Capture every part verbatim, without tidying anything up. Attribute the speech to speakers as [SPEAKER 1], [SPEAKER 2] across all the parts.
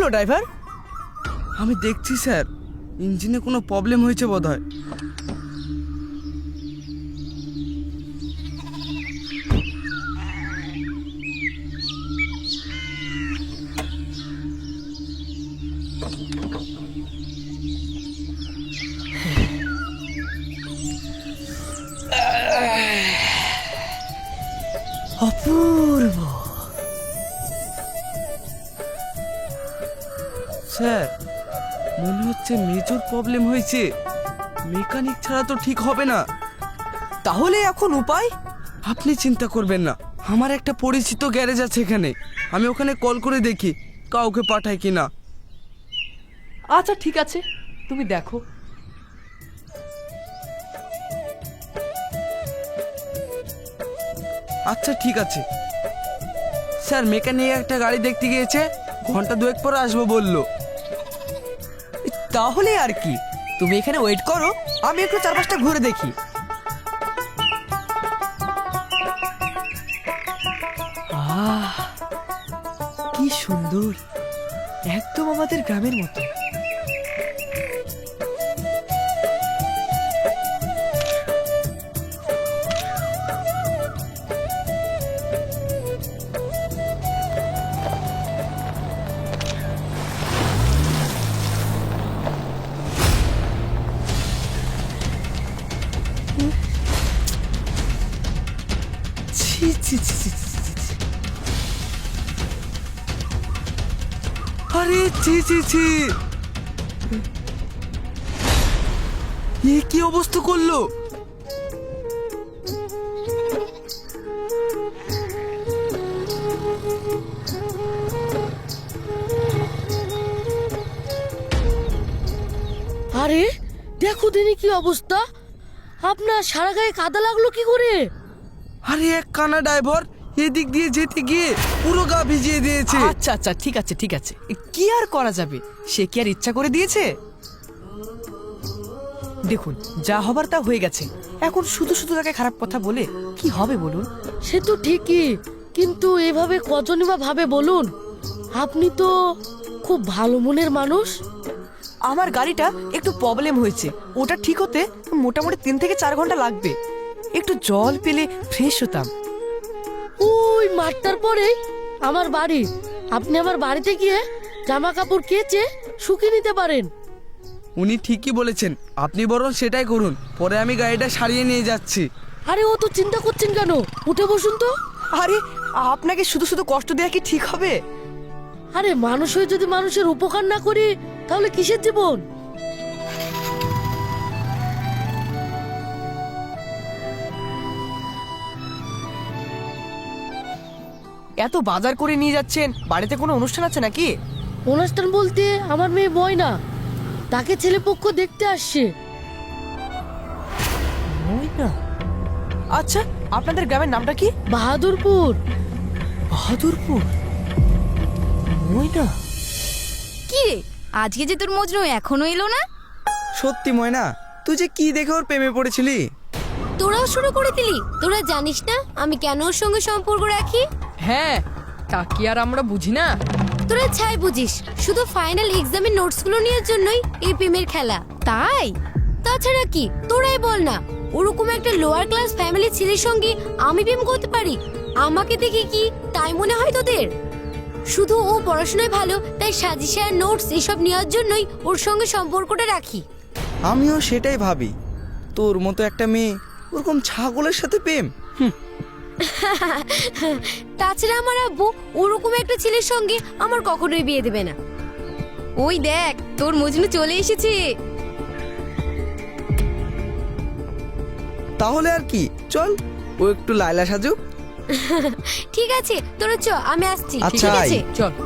[SPEAKER 1] Driver?
[SPEAKER 2] আমি দেখছি sir, ইঞ্জিনে কোনো প্রবলেম হয়েছে বোধহয়।
[SPEAKER 1] অপূর্ব।
[SPEAKER 2] স্যার, মনে হচ্ছে মেজর প্রবলেম হয়েছে। মেকানিক ছাড়া তো ঠিক হবে না।
[SPEAKER 1] তাহলে এখন উপায়?
[SPEAKER 2] আপনি চিন্তা করবেন না, আমার একটা পরিচিত গ্যারেজ আছে এখানে। আমি ওখানে কল করে দেখি কাউকে পাঠায় কিনা।
[SPEAKER 3] আচ্ছা ঠিক আছে, তুমি দেখো।
[SPEAKER 2] আচ্ছা ঠিক আছে স্যার, মেকানিক একটা গাড়ি দেখতে গিয়েছে, ঘন্টা দুয়েক পরে আসবো বললো।
[SPEAKER 1] তাহলে আর কি, তুমি এখানে ওয়েট করো, আমি একটু চারপাশটা ঘুরে দেখি। আহ, কি সুন্দর, একদম আমাদের গ্রামের মতো। ছি ছি ছি ছি ছি ছি ছি।
[SPEAKER 2] আরে ছি ছি ছি, এ কি অবস্থা করলো?
[SPEAKER 4] আরে দেখো দিনি কি অবস্থা, আপনার সারা গায়ে কাদা লাগলো কি করে?
[SPEAKER 2] আরে এক কানা ড্রাইভার এদিক দিয়ে যেতে গিয়ে পুরো গা ভিজিয়ে দিয়েছে।
[SPEAKER 1] আচ্ছা আচ্ছা ঠিক আছে ঠিক আছে, কি আর করা যাবে, সে কি আর ইচ্ছা করে দিয়েছে? দেখুন, যা হবার তা হয়ে গেছে, এখন শুধু শুধু তাকে খারাপ কথা বলে কি হবে বলুন?
[SPEAKER 4] সে তো ঠিকই, কিন্তু এভাবে কজনই বা ভাবে বলুন? আপনি তো খুব ভালো মনের মানুষ।
[SPEAKER 1] আমার গাড়িটা একটু প্রবলেম হয়েছে, ওটা ঠিক হতে মোটামুটি তিন থেকে চার ঘন্টা লাগবে। একটু জল পেলে ফ্রেশ হতাম।
[SPEAKER 4] ওই মাঠটার পরেই আমার বাড়ি, আপনি আমার বাড়িতে গিয়ে জামা কাপড় কেচে শুকিয়ে নিতে পারেন।
[SPEAKER 2] উনি ঠিকই বলেছেন, আপনি বরং সেটাই করুন, পরে আমি গাড়িটা সারিয়ে নিয়ে যাচ্ছি।
[SPEAKER 4] আরে ও তো চিন্তা করছেন কেন, উঠে বসুন তো।
[SPEAKER 1] আরে আপনাকে শুধু শুধু কষ্ট দেওয়া কি ঠিক হবে?
[SPEAKER 4] আরে মানুষ হয়ে যদি মানুষের উপকার না করি তাহলে কিসের জীবন?
[SPEAKER 1] এত বাজার করে নিয়ে যাচ্ছেন, বাড়িতে কোনো অনুষ্ঠান আছে নাকি?
[SPEAKER 4] অনুষ্ঠান বলতে আমার মেয়ে ময়না, তাকে ছেলেপক্ষ দেখতে আসছে।
[SPEAKER 1] ময়না? আচ্ছা, আপনাদের গ্রামের নামটা কি?
[SPEAKER 4] বাহাদুরপুর।
[SPEAKER 1] বাহাদুরপুর? ময়না?
[SPEAKER 5] কি রে, আজকে যে তোর মজনু এখনো এলো না?
[SPEAKER 2] সত্যি ময়না, তুই যে কি দেখে ওর প্রেমে পড়েছিলি?
[SPEAKER 6] তোরাও শুরু করে দিলি? তোরা জানিস না আমি কেন ওর সঙ্গে সম্পর্ক রাখি?
[SPEAKER 3] হ্যাঁ, তা কি আর আমরা বুঝি না?
[SPEAKER 6] তোরা ছাই বুঝিস, শুধু ফাইনাল এক্সামের নোটসগুলো নেওয়ার জন্যই এই প্রেমের খেলা।
[SPEAKER 5] তাই?
[SPEAKER 6] তাছাড়া কি, তোরাই বল না, ওরকম একটা লোয়ার ক্লাস ফ্যামিলির ছেলের সঙ্গে আমি প্রেম করতে পারি? আমাকে দেখে কি তাই মনে হয় তোদের? শুধু ও পড়াশোনায় ভালো তাই সাজেশন নোটস এসব নেওয়ার জন্যই ওর সঙ্গে সম্পর্কটা রাখি।
[SPEAKER 2] আমিও সেটাই ভাবি, তোর মতো একটা মেয়ে ওরকম ছাগলের সাথে প্রেম।
[SPEAKER 6] তাছাড়া আমার আব্বু ওরকম একটা ছেলের সঙ্গে আমার কখনোই বিয়ে দেবে না।
[SPEAKER 5] ওই দেখ, তোর মজনু চলে এসেছে।
[SPEAKER 2] তাহলে আর কি, চল ও একটু লায়লা সাজুক।
[SPEAKER 6] ঠিক আছে, তোরা চ, আমি আসছি।
[SPEAKER 2] আচ্ছা,
[SPEAKER 6] ঠিক আছে,
[SPEAKER 2] আয়।
[SPEAKER 3] চল।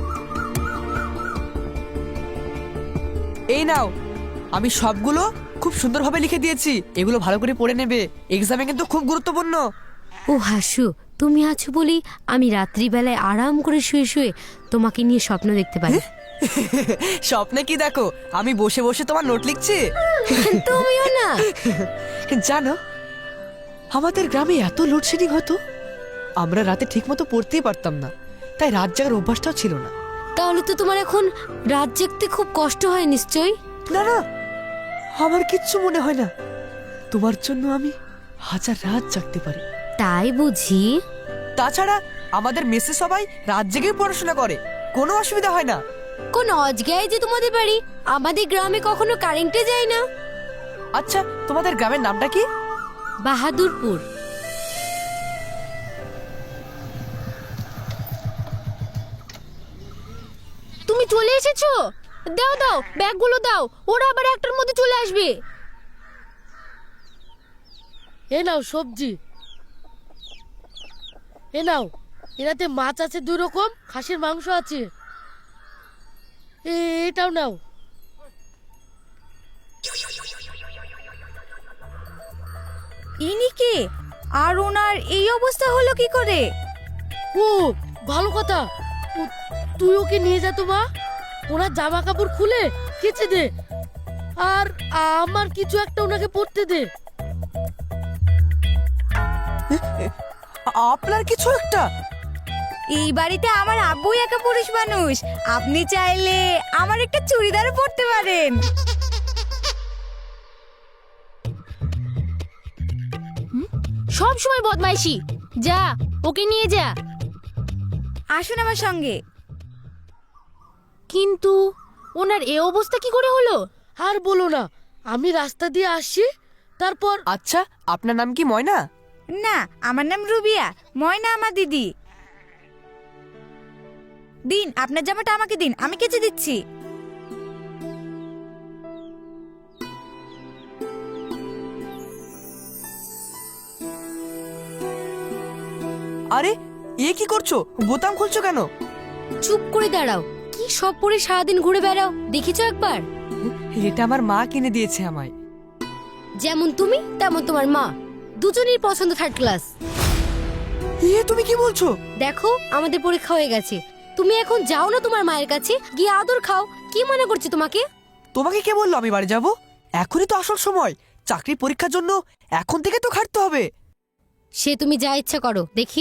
[SPEAKER 1] এই নাও, আমি সবগুলো খুব সুন্দরভাবে লিখে দিয়েছি, এগুলো ভালো করে পড়ে নেবে, এক্সামে কিন্তু খুব গুরুত্বপূর্ণ।
[SPEAKER 6] ও হাসু, তুমি আছো বলি আমি রাত্রিবেলায় আরাম করে শুয়ে শুয়ে তোমাকে নিয়ে স্বপ্ন দেখতে পারি।
[SPEAKER 1] স্বপ্নে কি দেখো, আমি বসে বসে তোমার নোট লিখছি।
[SPEAKER 6] তুমিও না।
[SPEAKER 1] জানো, আমাদের গ্রামে এত লোডশেডিং হতো, আমরা রাতে ঠিক মতো পড়তেই পারতাম না, তাই রাত জাগার অভ্যাসটাও ছিল না।
[SPEAKER 6] তাহলে তো তোমার এখন রাত জাগতে খুব কষ্ট হয় নিশ্চয়ই।
[SPEAKER 1] না না, আমার কিচ্ছু মনে হয় না। তোমার জন্য আমি হাজার রাত জাগতে পারি।
[SPEAKER 6] তাই বুঝি?
[SPEAKER 1] তাছাড়া আমাদের মেসে সবাই রাত জেগেই পড়াশোনা করে, কোনো অসুবিধা হয় না।
[SPEAKER 6] কোন অজগায় যে তোমাদের বাড়ি, আমাদের গ্রামে কখনো কারেন্টে যায় না।
[SPEAKER 1] আচ্ছা, তোমাদের গ্রামের নামটা কি?
[SPEAKER 6] বাহাদুরপুর। তুমি চলে এসেছো? দাও দাও, ব্যাগগুলো দাও, ওরা আবার একটার মধ্যে চলে আসবে।
[SPEAKER 4] এ নাও সবজি, এ নাও। এটাতে মাছ আছে দুই রকম, খাসির মাংস আছে। এ- এটাও নাও।
[SPEAKER 5] ইনি কে? আর ওনার এই অবস্থা হলো কি করে?
[SPEAKER 4] ও ভালো কথা, ও, তুই ওকে নিয়ে যা তো মা, ওনার জামা কাপড় খুলে কেচে দে, আর আমার কিছু একটা ওনাকে পরতে দে।
[SPEAKER 1] আপনার কিছু একটা?
[SPEAKER 5] এই বাড়িতে আমার আব্বুই একা পুরুষ মানুষ, আপনি চাইলে আমার একটা চুড়িদারও পরতে পারেন।
[SPEAKER 6] সব সময় বদমাইশি। যা, ওকে নিয়ে যা।
[SPEAKER 5] আসুন আমার সঙ্গে।
[SPEAKER 6] কিন্তু ওনার এ অবস্থা কি করে হলো?
[SPEAKER 4] আর বলো না, আমি রাস্তা দিয়ে আসছি, তারপর
[SPEAKER 1] আচ্ছা, আপনার নাম কি ময়না?
[SPEAKER 5] না, আমার নাম রুবিয়া, ময়না আমার দিদি। দিন, আপনার জামাটা আমাকে দিন, আমি কেচে দিচ্ছি।
[SPEAKER 1] আরে, এ কি করছো? বোতাম খুলছো কেন?
[SPEAKER 6] চুপ করে দাঁড়াও। কি সব পরে সারাদিন ঘুরে বেড়াও, দেখেছো একবার?
[SPEAKER 1] এটা আমার মা কিনে দিয়েছে আমায়।
[SPEAKER 6] যেমন তুমি তেমন তোমার মা, দুজনেই পছন্দ থার্ড ক্লাস।
[SPEAKER 1] এ তুমি কি বলছো?
[SPEAKER 6] দেখো, আমাদের পরীক্ষা হয়ে গেছে, তুমি এখন যাও না তোমার মায়ের কাছে, গিয়ে আদর খাও। কি মনে করছে তোমাকে?
[SPEAKER 1] তোমাকে কে বললো আমি বাড়ি যাব? এখনই তো আসল সময়, চাকরির পরীক্ষার জন্য এখন থেকে তো খাটতে হবে।
[SPEAKER 6] সে তুমি যা ইচ্ছা করো, দেখি।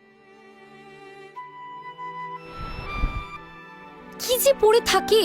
[SPEAKER 6] কি যে পরে থাকে।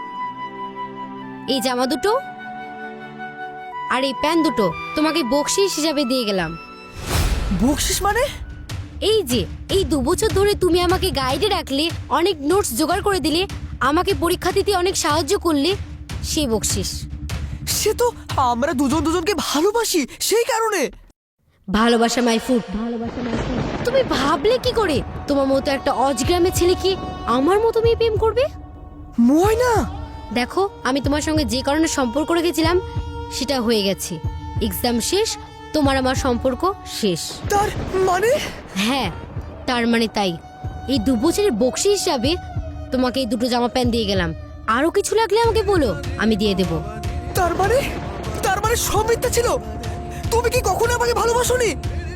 [SPEAKER 6] এই জামা দুটো আর এই প্যান্ট দুটো তোমাকে বকশিস হিসাবে দিয়ে গেলাম।
[SPEAKER 1] বকশিস মানে?
[SPEAKER 6] এই যে এই দু বছর ধরে তুমি আমাকে গাইডে রাখলে, অনেক নোটস জোগাড় করে দিলে, আমাকে পরীক্ষা দিতে অনেক সাহায্য করলে, সেই বকশিস।
[SPEAKER 1] সে তো আমরা দুজন দুজনকে ভালোবাসি, সেই কারণে।
[SPEAKER 6] ভালোবাসা মাই ফুড। তুমি ভাবলে কি করে তোমার মতো একটা অজগ্রামের ছেলে কি আমার মতো মেয়ে প্রেম করবে?
[SPEAKER 1] ময়না,
[SPEAKER 6] দেখো, আমি তোমার সঙ্গে যে কারণে সম্পর্ক রেখেছিলাম সেটা হয়ে গেছে। এক্সাম শেষ, তোমার আমার সম্পর্ক শেষ।
[SPEAKER 1] তার মানে?
[SPEAKER 6] হ্যাঁ, তার মানে তাই। এই দু বছরের বকশি হিসাবে তোমাকে এই দুটো জামা প্যান্ট দিয়ে গেলাম। আরো কিছু লাগলে আমাকে বলো, আমি দিয়ে দেব।
[SPEAKER 1] তার মানে তার মানে সব মিথ্যা ছিল? তুমি কি কখনো আমাকে ভালোবাসোনি?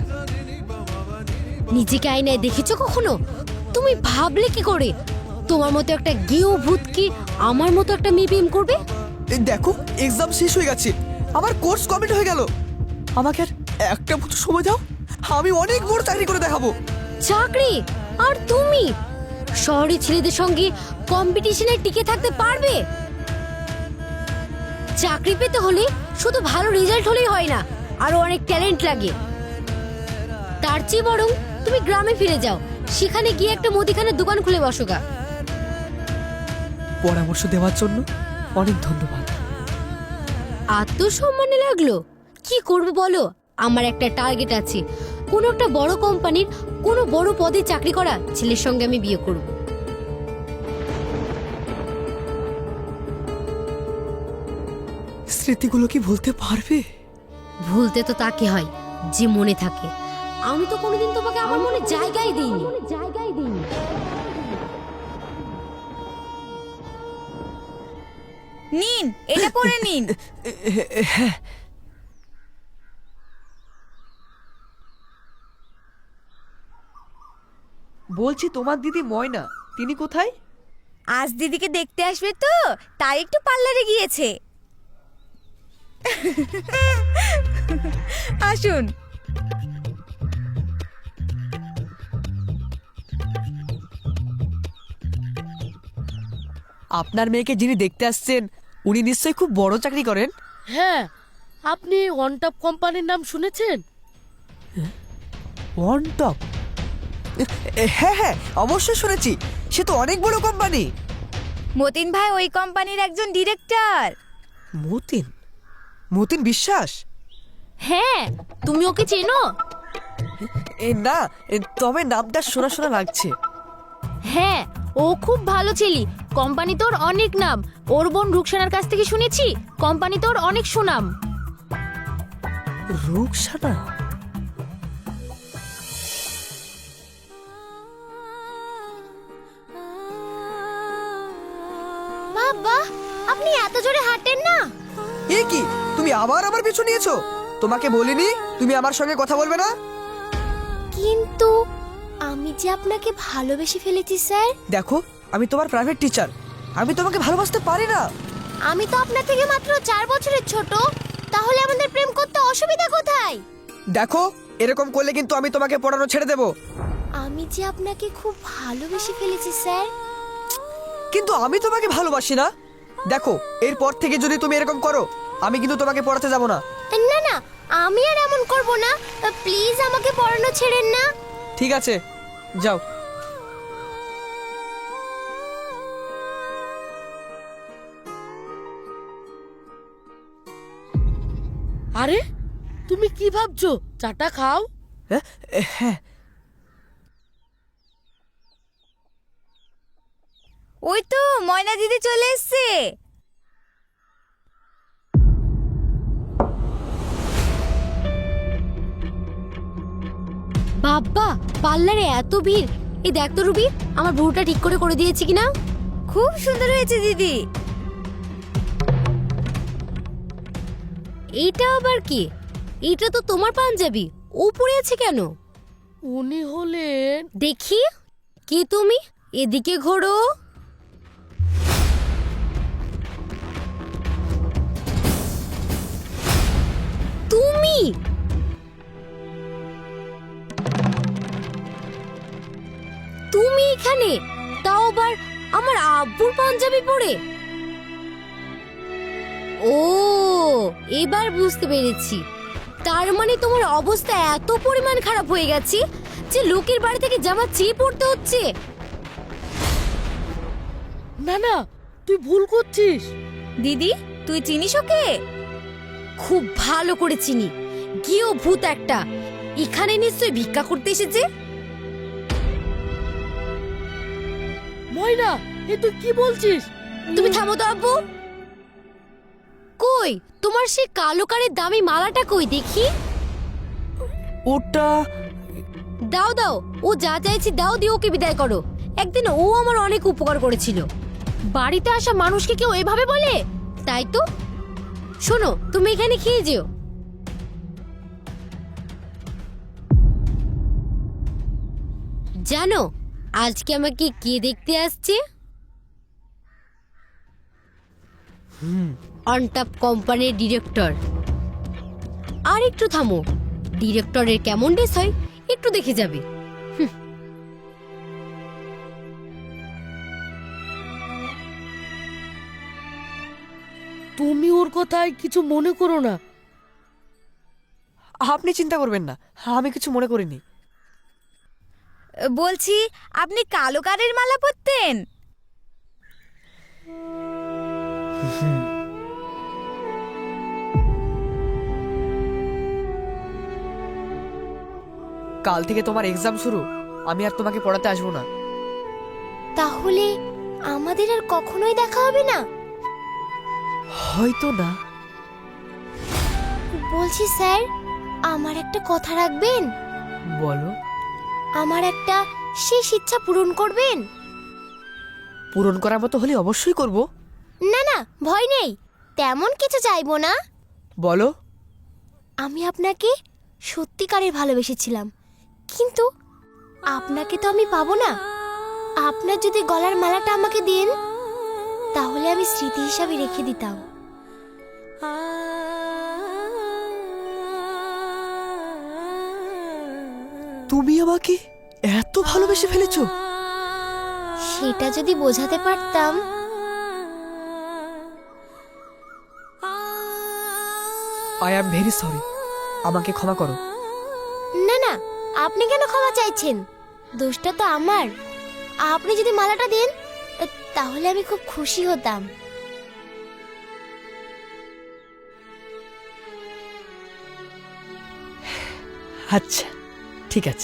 [SPEAKER 6] নিজেকে আয়নায় দেখেছো কখনো? তুমি ভাবলে কি করে তোমার মতো একটা গেও ভূত কি আমার মতো একটা মেয়ে প্রেম করবে?
[SPEAKER 1] এই দেখো, এক্সাম শেষ হয়ে গেছে, আমার কোর্স কমপ্লিট হয়ে গেল। আমাকে আর একটা বছর সময় দাও, আমি অনেক বড় চাকরি করে দেখাবো।
[SPEAKER 6] চাকরি? আর তুমি শহরে ছেলেদের সঙ্গে কম্পিটিশনে টিকে থাকতে পারবে? চাকরি পেতে হলে শুধু ভালো রেজাল্ট হলেই হয় না, আরো অনেক ট্যালেন্ট লাগে। তার চেয়ে বরং তুমি গ্রামে ফিরে যাও, সেখানে গিয়ে একটা মুদিখানার দোকান খুলে বসো গা।
[SPEAKER 1] পরামর্শ দেওয়ার জন্য অনেক ধন্যবাদ।
[SPEAKER 6] আত্মসম্মানে লাগলো? কি করবো বলো, আমার একটা টার্গেট আছে, কোনো একটা বড় কোম্পানির কোনো বড় পদে চাকরি করা ছেলের সঙ্গে আমি বিয়ে করব।
[SPEAKER 1] স্মৃতিগুলো কি ভুলতে পারবে?
[SPEAKER 6] ভুলতে তো তাকে হয় যে মনে থাকে। আমি তো কোনোদিন তোমাকে আমার মনে জায়গাই দিইনি। জায়গাই দিইনি।
[SPEAKER 5] নিন, এটা পরে নিন।
[SPEAKER 3] বলছি, তোমার দিদি ময়না, তিনি কোথায়?
[SPEAKER 5] আজ দিদিকে দেখতে আসবে তো, তাই একটু পার্লারে গিয়েছে। আসুন।
[SPEAKER 1] আপনার মেয়েকে যিনি দেখতে আসছেন উনি নিশ্চয়ই খুব বড় চাকরি করেন।
[SPEAKER 4] হ্যাঁ, আপনি ওয়ান টপ কোম্পানির নাম শুনেছেন?
[SPEAKER 1] One top? হ্যাঁ হ্যাঁ, অবশ্যই শুনেছি। সে তো অনেক বড় কোম্পানি।
[SPEAKER 5] মতিন ভাই ওই কোম্পানির একজন ডিরেক্টর।
[SPEAKER 1] মতিন? মতিন বিশ্বাস?
[SPEAKER 6] হ্যাঁ, তুমি ওকে চেনো?
[SPEAKER 1] এ না, এ, তবে নামটা শোনা শোনা লাগছে।
[SPEAKER 6] হ্যাঁ, ও খুব ভালো ছেলে। কোম্পানি তোর অনেক নাম। ওর বোন রুকসানার কাছ থেকে শুনেছি কোম্পানি তোর অনেক সুনাম।
[SPEAKER 1] রুকসানা?
[SPEAKER 6] বাবা, আপনি এত জোরে হাঁটেন না।
[SPEAKER 1] এ কি, তুমি আবার আমার পিছু নিয়েছো? তোমাকে বলিনি তুমি আমার সঙ্গে কথা বলবে না?
[SPEAKER 6] কিন্তু আমি যে আপনাকে ভালোবেসে ফেলেছি স্যার।
[SPEAKER 1] দেখো, আমি তোমার প্রাইভেট টিচার, আমি তোমাকে ভালোবাসতে পারি না।
[SPEAKER 6] আমি তো আপনার থেকে মাত্র চার বছরের ছোট, তাহলে আমাদের প্রেম করতে অসুবিধা কোথায়?
[SPEAKER 1] দেখো, এরকম করলে কিন্তু আমি তোমাকে পড়ানো ছেড়ে দেব।
[SPEAKER 6] আমি যে আপনাকে খুব ভালোবেসে ফেলেছি স্যার।
[SPEAKER 1] কিন্তু আমি তোমাকে ভালোবাসি না। দেখো, এরপর থেকে যদি তুমি এরকম করো আমি কিন্তু তোমাকে পড়াতে যাব না।
[SPEAKER 6] না না, আমি আর এমন করব না। প্লিজ আমাকে পড়ানো ছেড়েন না।
[SPEAKER 1] ঠিক আছে, যাও।
[SPEAKER 4] আরে, তুমি কি ভাবছো? চাটা খাও।
[SPEAKER 1] হ্যাঁ হ্যাঁ।
[SPEAKER 5] ওই তো ময়না দিদি চলে এসছে।
[SPEAKER 6] বাবা, পার্লারে এত ভিড়। এই দেখ তো রুবি, আমার ভ্রুটা ঠিক করে করে দিয়েছি কিনা।
[SPEAKER 5] খুব সুন্দর হয়েছে দিদি।
[SPEAKER 6] এইটা আবার কি? এটা তো তোমার পাঞ্জাবি, ও পরে আছে কেন?
[SPEAKER 4] উনি হলেন...
[SPEAKER 6] দেখি, কে তুমি? এদিকে ঘোরো। তুমি? তুমি এখানে, তাও আবার আমার আব্বুর পাঞ্জাবি পরে? ও, এবার বুঝতে পেরেছি। তার মানে তোমার অবস্থা এত পরিমাণ খারাপ হয়ে গেছে যে লোকের বাড়ি থেকে জামা চেয়ে পড়তে হচ্ছে।
[SPEAKER 4] না না, তুই ভুল করছিস।
[SPEAKER 5] দিদি, তুই চিনিস ওকে?
[SPEAKER 6] খুব ভালো করে চিনি। গিয়েও ভূত একটা। এখানে নিশ্চয়ই ভিক্ষা করতে এসেছে।
[SPEAKER 4] ময়না, এ তুই কি বলছিস?
[SPEAKER 6] তুমি থামো তো আব্বু। কই তোমার সেই কালো কারের দামি মালাটা কই দেখি?
[SPEAKER 1] ওটা
[SPEAKER 6] দাও দাও, ও যা চাইছি দাও, দিয়ে ওকে বিদায় করো। একদিন ও আমার অনেক উপকার করেছিল। বাড়িতে আসা মানুষকে কেউ এভাবে বলে? তাই তো। শোনো, তুমি এখানে খেয়ে যেও। জানো আজকে আমাকে কে দেখতে আসছে? অনটপ কোম্পানির ডিরেক্টর। আর একটু থামো, ডিরেক্টরের কেমন ড্রেস হয় একটু দেখে যাবে।
[SPEAKER 4] তুমি ওর কথায় কিছু মনে করো না।
[SPEAKER 1] আপনি চিন্তা করবেন না, আমি কিছু মনে করিনি।
[SPEAKER 5] বলছি, আপনি কালো কারের মালা পরতেন?
[SPEAKER 1] কাল থেকে তোমার এক্সাম শুরু, আমি আর তোমাকে পড়াতে আসবো না।
[SPEAKER 6] তাহলে আমাদের আর কখনোই দেখা হবে না?
[SPEAKER 1] হয়তো না।
[SPEAKER 6] বলছি স্যার, আমার একটা কথা রাখবেন?
[SPEAKER 1] বলো।
[SPEAKER 6] আমার একটা শেষ ইচ্ছা পূরণ করবেন?
[SPEAKER 1] পূরণ করার মতো হলে অবশ্যই করব।
[SPEAKER 6] না না, ভয় নেই, তেমন কিছু চাইবো না।
[SPEAKER 1] বলো।
[SPEAKER 6] আমি আপনাকে সত্যিকারের ভালোবেসেছিলাম, কিন্তু আপনাকে তো আমি পাবো না। আপনার যদি গলার মালাটা আমাকে দেন, তাহলে আমি স্মৃতি হিসাবে রেখে দিতাম।
[SPEAKER 1] তুমি আমাকে এত ভালোবেসে ফেলেছো?
[SPEAKER 6] সেটা যদি বোঝাতে পারতাম
[SPEAKER 1] আই অ্যাম ভেরি সরি, আমাকে ক্ষমা করো।
[SPEAKER 6] না না, আপনি কেন ক্ষমা চাইছেন? দোষটা তো আমার। আপনি যদি মালাটা দেন তাহলে আমি খুব খুশি হতাম।
[SPEAKER 1] আচ্ছা ঠিক আছে।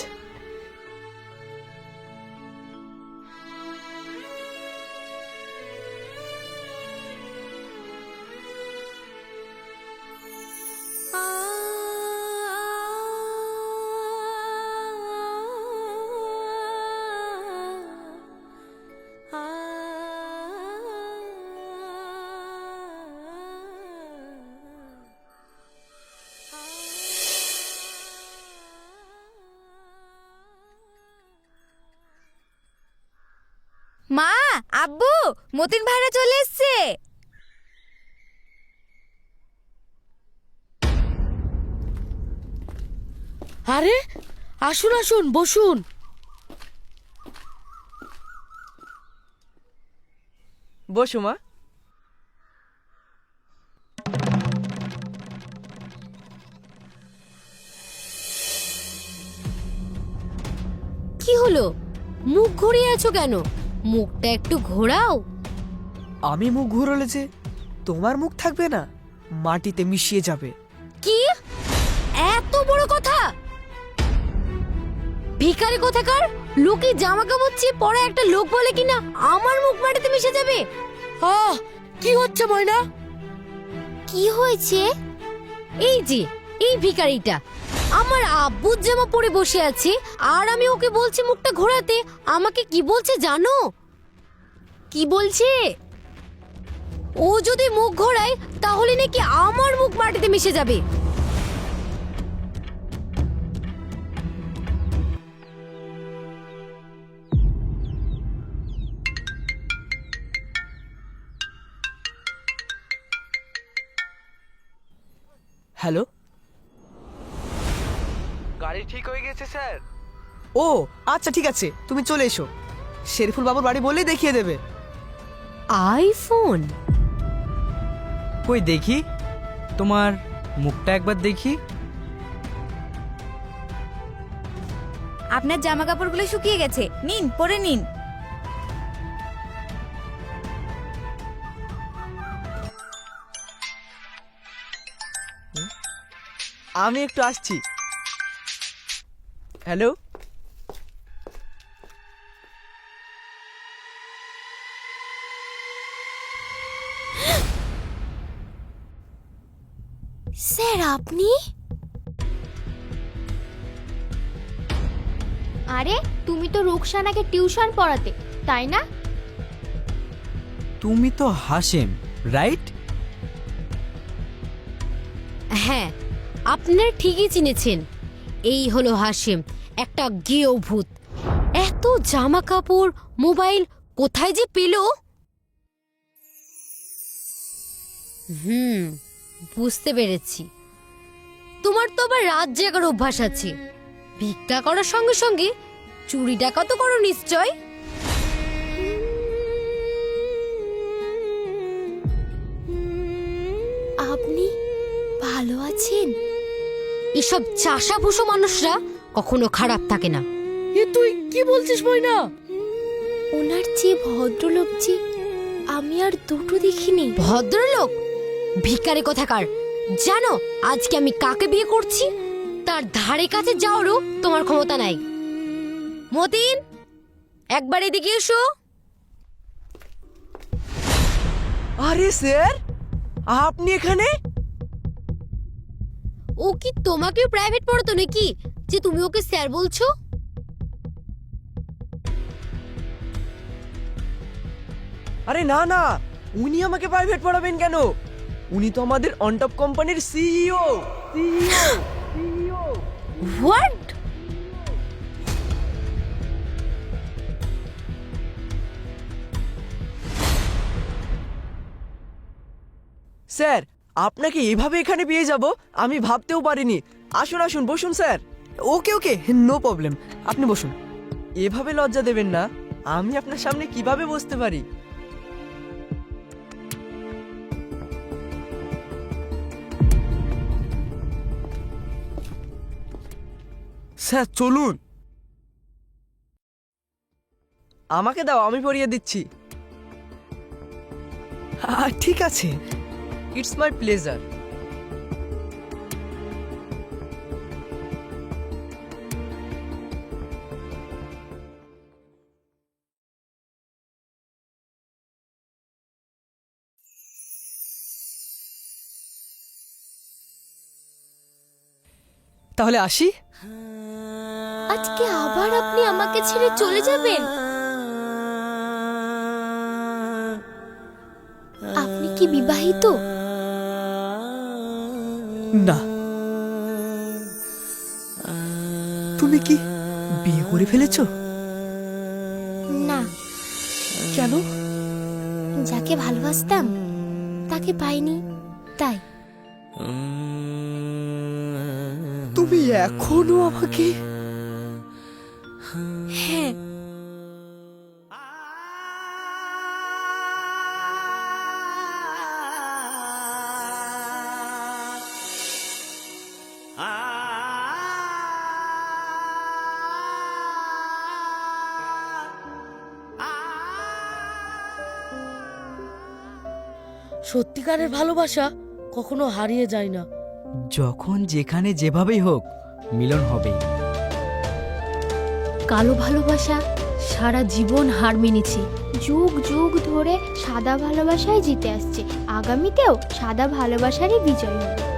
[SPEAKER 5] মা, আব্বু, মতিন ভাইরা চলে এসছে।
[SPEAKER 4] আরে আসুন আসুন, বসুন।
[SPEAKER 1] বসো মা।
[SPEAKER 6] কি হলো, মুখ ঘুরিয়ে আছো কেন? মুখটা একটু ঘোরাও।
[SPEAKER 1] আমি মুখ ঘুরলে যে তোমার মুখ থাকবে না, মাটিতে মিশিয়ে যাবে।
[SPEAKER 6] কি এত বড় কথা? ভিখারি কোথাকার, লোকে জামা কাপড় চেয়ে পরে একটা লোক বলে কিনা আমার মুখ মাটিতে মিশে যাবে।
[SPEAKER 4] আহ কি হচ্ছে ময়না?
[SPEAKER 6] কি হয়েছে? এই যে এই ভিখারিটা আমার আব্বুর জামা পরে বসে আছে, আর আমি ওকে বলছি মুখটা ঘোরাতে। আমাকে কি বলছে জানো? কি বলছে? ও যদি মুখ ঘোরায় তাহলে নাকি আমার মুখ মাটিতে মিশে যাবে।
[SPEAKER 1] হ্যালো,
[SPEAKER 2] গাড়ি ঠিক হয়ে গেছে স্যার।
[SPEAKER 1] ও আচ্ছা ঠিক আছে, তুমি চলে এসো। শেরিফুল বাবুর বাড়ি বললেই দেখিয়ে দেবে।
[SPEAKER 6] আইফোন?
[SPEAKER 7] কই দেখি তোমার মুখটা একবার দেখি।
[SPEAKER 5] আপনার জামা কাপড়গুলো শুকিয়ে গেছে, নিন পরে নিন।
[SPEAKER 1] আমি একটু আসছি। হ্যালো,
[SPEAKER 6] স্যার আপনি?
[SPEAKER 8] আরে তুমি তো রুকসানাকে টিউশন পড়াতে, তাই না?
[SPEAKER 7] তুমি তো হাশেম, রাইট?
[SPEAKER 6] হ্যাঁ, আপনারা ঠিকই চিনেছেন। এই হলো হাশেম, একটা গেও ভূত। এত জামা কাপড়, মোবাইল কোথায় যে পেল? হুম, বুঝতে পেরেছি। তোমার তো আবার রাত জাগার অভ্যাস আছে। ভিক্ষা করার সঙ্গে সঙ্গে চুরি ডাকাতও করো নিশ্চয়। আপনি ভালো আছেন? এসব চাষাভুষো মানুষরা কখনো খারাপ থাকে না।
[SPEAKER 4] এ তুই কি বলছিস ময়না?
[SPEAKER 6] ওনার চেয়ে ভদ্রলোক যে আমি আর দুটো দেখিনি। ভদ্রলোক? ভিখারি কোথাকার। জানো আজকে আমি কাকে বিয়ে করছি? তার ধারে কাছে যাওয়ারও তোমার ক্ষমতা নাই। মতিন, একবার এদিকে এসো।
[SPEAKER 1] আরে স্যার, আপনি এখানে?
[SPEAKER 6] ও কি তোমাকেও প্রাইভেট পড়াতো নাকি যে তুমি ওকে স্যার বলছো?
[SPEAKER 1] আরে না না, উনি আমাকে প্রাইভেট পড়াবেন কেন? উনি তো আমাদের অনটপ কোম্পানির CEO. CEO CEO
[SPEAKER 6] what?
[SPEAKER 1] Sir, আপনাকে এভাবে এখানে পেয়ে যাব আমি ভাবতেও পারিনি। আসুন আসুন, বসুন sir. Okay okay, no problem, আপনি বসুন। এভাবে লজ্জা দেবেন না, আমি আপনার সামনে কিভাবে বসতে পারি?
[SPEAKER 2] স্যার চলুন।
[SPEAKER 1] আমাকে দাও, আমি পরিয়ে দিচ্ছি। আহ, ঠিক আছে, ইটস মাই প্লেজার। তাহলে আসি।
[SPEAKER 8] আজকে আবার আপনি আমাকে ছেড়ে চলে যাবেন? আপনি কি বিবাহিত?
[SPEAKER 1] না। তুমি কি বিয়ে করে ফেলেছো?
[SPEAKER 8] না।
[SPEAKER 1] কেন?
[SPEAKER 8] যাকে ভালোবাসতাম তাকে পাইনি, তাই।
[SPEAKER 1] তুমি এখনো আমাকে?
[SPEAKER 8] হ্যাঁ।
[SPEAKER 4] সত্যিকারের ভালোবাসা কখনো হারিয়ে যায় না।
[SPEAKER 7] যখন যেখানে যেভাবেই হোক মিলন হবেই।
[SPEAKER 8] কালো ভালোবাসা সারা জীবন হার মেনেছে, যুগ যুগ ধরে সাদা ভালোবাসায় জিতে আসছে। আগামীতেও সাদা ভালোবাসারই বিজয় হবে।